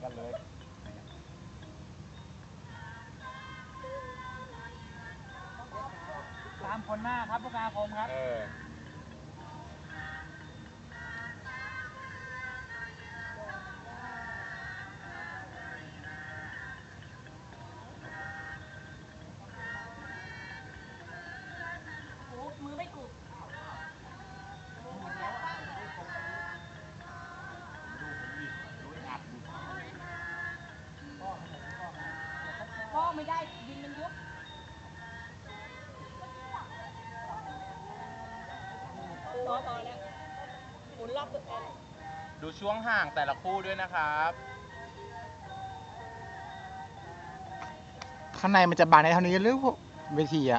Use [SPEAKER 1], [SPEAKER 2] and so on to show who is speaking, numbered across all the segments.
[SPEAKER 1] กันเลย
[SPEAKER 2] ตามคนหน้าครับผู้การคมครับ
[SPEAKER 3] มือไม่กุบพ่อไม่ได้ดินมันยุบพอแล้วหมุนรอบตัวเอง
[SPEAKER 4] ดูช่วงห่างแต่ละคู่ด้วยนะครับ
[SPEAKER 5] ข้างในมันจะบานในเท่านี้หรือเวทีอะ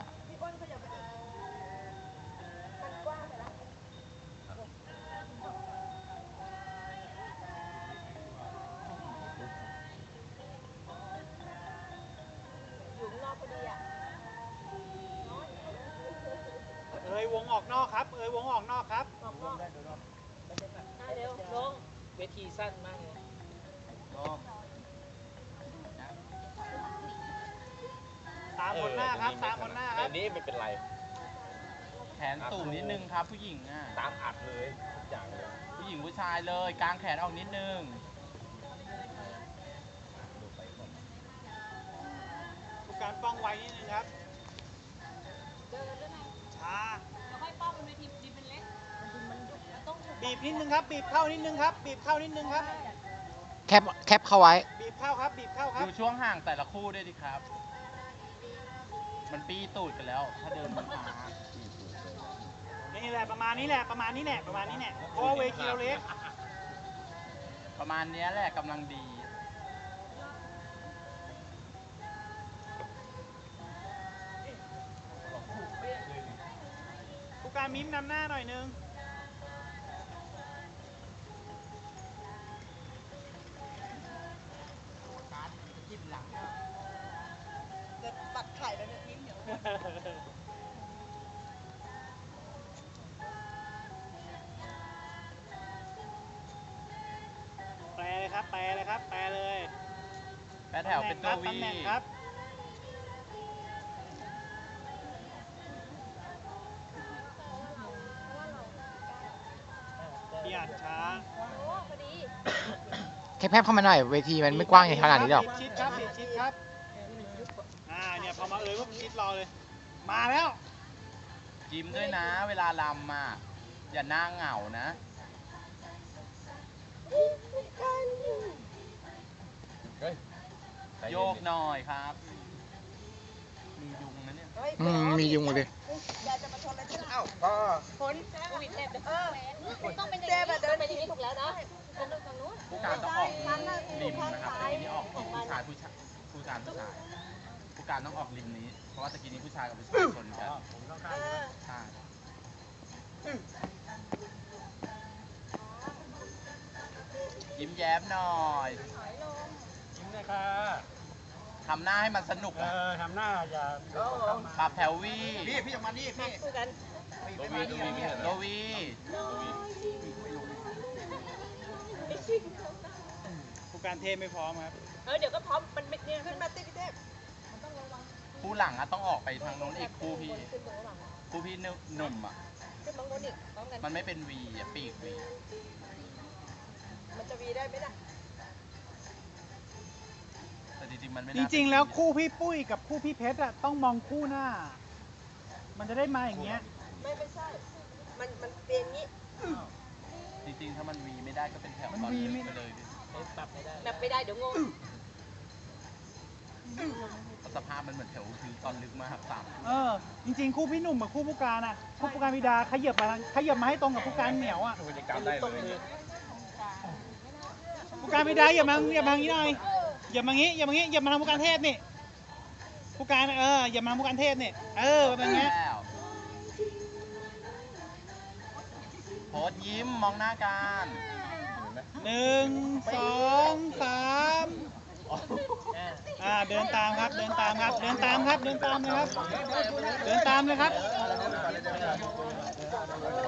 [SPEAKER 2] วงออกนอกครับวงออกนอกครับ
[SPEAKER 3] เร็วลงเวทีสั้นมากเลย
[SPEAKER 2] ตามคนหน้าครับตามคนหน้าครับ
[SPEAKER 4] นี้ไม่เป็นไรแขนสูงนิดนึงครับผู้หญิงอ่ะ
[SPEAKER 1] ตามอัดเลยทุกอย่างเลย
[SPEAKER 4] ผู้หญิงผู้ชายเลยกางแขนออกนิดนึง
[SPEAKER 2] ผู้การป้องไว้นิดนึงครับช้า
[SPEAKER 3] ค่อยป้องบนเวทีดินเป็นเล็ก
[SPEAKER 2] บีบนิดนึงครับบีบเข้านิดนึงครับบีบเข้านิดนึงครับ
[SPEAKER 5] แคปเข้าไว้
[SPEAKER 2] บีบเข้าครับบีบเข้าครับ
[SPEAKER 4] ดูช่วงห่างแต่ละคู่ด้วยดิครับมันปีตูดกันแล้วถ้าเดินมันช้า
[SPEAKER 2] นี่แหละประมาณนี้แหละประมาณนี้แหละประมาณนี้แหละเพราะเวทีเราเล็ก
[SPEAKER 4] ประมาณนี้แหละกำลังดี
[SPEAKER 2] ผู้การมิ้มนำหน้าหน่อยนึง
[SPEAKER 3] ปัดไข่ไปเนี่ยมิ้มเดี๋ยว
[SPEAKER 2] แปลเลยครับแปลเลยครับแปลเลย
[SPEAKER 4] แปลแถวเป็นตัววี
[SPEAKER 2] ครับพี่อาจช้า
[SPEAKER 5] แคปเข้ามาหน่อยเวทีมันไม่กว้างขนาดนี้หรอก
[SPEAKER 2] ชิดครับชิดครับเนี่ยพอมาปุ๊บชิดรอเลยมาแล้ว
[SPEAKER 4] ยิ้มด้วยนะเวลาลำมาอย่าหน้าเหงานะโยกหน่อยครับมียุงนะเนี่ย
[SPEAKER 5] มียุงเลย
[SPEAKER 3] อยากจะมาชนอะไรที่เราผลวิดเทปต้องเป็นอย่างนี้เดินไปอย่างนี้ถูกแล้วเนาะ
[SPEAKER 4] ผู้การต้องออกริมนะครับตะกี้นี้ออกผู้ชายผู้การผู้ชายผู้การต้องออกริมนี้เพราะว่าตะกี้นี้ผู้ชายกับผู้ชายชนกันใช่ยิ้มแย้มหน่อย
[SPEAKER 2] ยิ้มเลยค่ะ
[SPEAKER 4] ทำหน้าให้มันสนุก
[SPEAKER 2] ทำหน้าอย่า
[SPEAKER 4] ปรับแถววี
[SPEAKER 1] พี่ออกมานี่พี่
[SPEAKER 4] โดวี
[SPEAKER 2] ผู้การเทพไม่พร้อมครับ
[SPEAKER 3] เดี๋ยวก็พร้อมมันไม่เนี่ยขึ้นมาติพี่เทพ
[SPEAKER 4] คู่หลังอะต้องออกไปทางโน้นอีกคู่พี่หนุ่มอะมันไม่เป็นวีอะปีกวี
[SPEAKER 3] มันจะวีได้ไหมล่ะ
[SPEAKER 4] แต่จริงๆมันไม่
[SPEAKER 2] จริงๆแล้วคู่พี่ปุ้ยกับคู่พี่เพชรอะต้องมองคู่หน้ามันจะได้มาอย่างเงี้ย
[SPEAKER 3] ไม่ใช่มันเป็นอย่างงี้
[SPEAKER 4] จริงๆถ้ามันวีไม่ได้ก็เป็นแถวตอนลึกไปเลย
[SPEAKER 3] ปรับไม่ได้เดี๋ยวงง
[SPEAKER 4] สภาพมันเหมือนแถวคือตอนลึกมากต่
[SPEAKER 2] ำจริงๆคู่พี่หนุ่มกับคู่ผู้การอะคู่ผู้การพิดาขยับมาให้ตรงกับผู้การเหนียวอะผู้การพิดาอย่ามางี้หน่อยอย่ามางี้อย่ามาทำผู้การเทพนี่ผู้การอย่ามาผู้การเทพนี่แบบนี้
[SPEAKER 4] โพสยิ้มมองหน้ากัน
[SPEAKER 2] 1 2 3เดินตามครับเดินตามเลยครับเดินตามเลยครับ